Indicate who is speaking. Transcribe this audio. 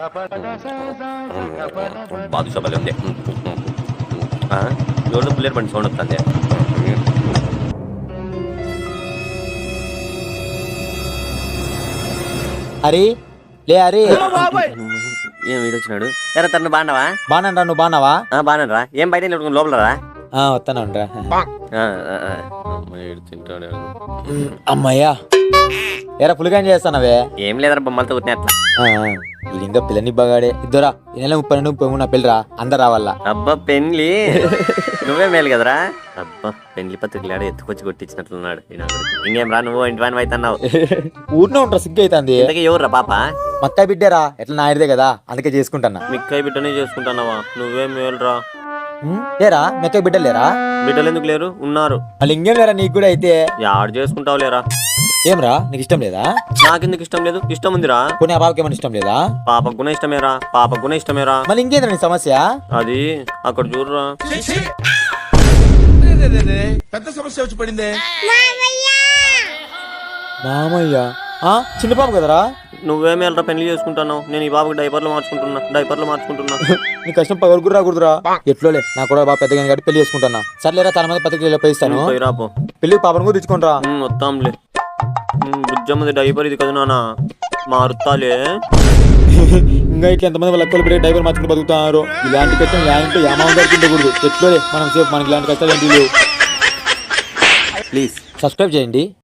Speaker 1: బాదుషా భలే ఉంది. ఎవరిలో బుల్లెట్ బండి సౌండ్ వస్తుంది.
Speaker 2: అరే లే అరే
Speaker 1: ఏం వీడొచ్చినాడు? ఎరా తను బాగున్నావా?
Speaker 2: బానండ్రా, నువ్వు బాగున్నావా?
Speaker 1: బాగున్నారా? ఏం బయట లోపల రా.
Speaker 2: వస్తానండ్రా.
Speaker 1: తింటాడు.
Speaker 2: అమ్మయ్యా ఎరా పులిగా చేస్తానవే?
Speaker 1: ఏం లేదరా, బొమ్మలతో కొట్టిన అట్లా.
Speaker 2: ఇంకా పిల్లని బాగాడే ఇద్దరా. ఈ నెల 32 నా పిల్లరా, అందరు రావాలా.
Speaker 1: అబ్బా పెళ్లి నువ్వే మేలు కదరా. అబ్బా పెళ్లి పత్రికలు ఎత్తుకొచ్చి కొట్టించినట్లున్నాడు. ఇంకేం రా, నువ్వు ఇంటి వాని అవుతున్నావు.
Speaker 2: ఊరినే ఉంటా, సిగ్గు అవుతుంది.
Speaker 1: ఇంతకీ ఎవర్రా పాప?
Speaker 2: మక్కాయ బిడ్డేరా, ఎట్లా నాయదే కదా, అందుకే చేసుకుంటానా.
Speaker 1: మిక్కాయ బిడ్డనే చేసుకుంటున్నావా? నువ్వే మేలురా.
Speaker 2: లేరా మెక్కయ్య బిడ్డలు లేరా?
Speaker 1: బిడ్డలు ఎందుకు లేరు? ఉన్నారు.
Speaker 2: వాళ్ళు ఇంకేం లేరా నీకు కూడా? అయితే
Speaker 1: యాడ్ చేసుకుంటావు లేరా?
Speaker 2: ఏమరా నీకు ఇష్టం లేదా?
Speaker 1: నాకెందుకు ఇష్టం లేదు? ఇష్టం ఉందిరా.
Speaker 2: కొన్ని ఆ పాపకి ఏమైనా ఇష్టం లేదా?
Speaker 1: పాపకు కూడా ఇష్టమేరా. పాపకు కూడా ఇష్టమేరా.
Speaker 2: మళ్ళీ ఇంకేంద్రా నీ సమస్య?
Speaker 1: అది అక్కడ చూడరా.
Speaker 3: పెద్ద సమస్య వచ్చి పడిందే.
Speaker 2: మామయ్య చిన్న పాప కదరా.
Speaker 1: నువ్వే మేలరా పెళ్లి చేసుకుంటున్నావు. నేను ఈ బాబుకి డైపర్లు మార్చుకుంటున్నా.
Speaker 2: నీ కష్టం పగలుగురు రాకూడదురా. ఎట్లోలే నా కూడా బాగా పెద్దగా కాబట్టి పెళ్లి చేసుకుంటున్నా. సర్లేరా, చాలా మంది పత్రికలు పోయిస్తాను. పెళ్లి పాపను కూడా తెచ్చుకుంటా.
Speaker 1: వస్తాంలే. బుజ్జమ్మది డైపర్ ఇది కదా నాన్న, మారుతాలే.
Speaker 2: ఇంకా ఇట్లా ఎంతమంది వాళ్ళ అక్కలు పెట్టి డైపర్ మార్చుకుని బతుకుతున్నారు. ఇలాంటి కష్టం ఇలాంటి ఏమావుంది ఉండకూడదు. ఎట్లోలే మనం సేపు మనకి ఇలాంటి కష్టాలు ఏంటి లేవు.
Speaker 1: ప్లీజ్
Speaker 2: సబ్స్క్రైబ్ చేయండి.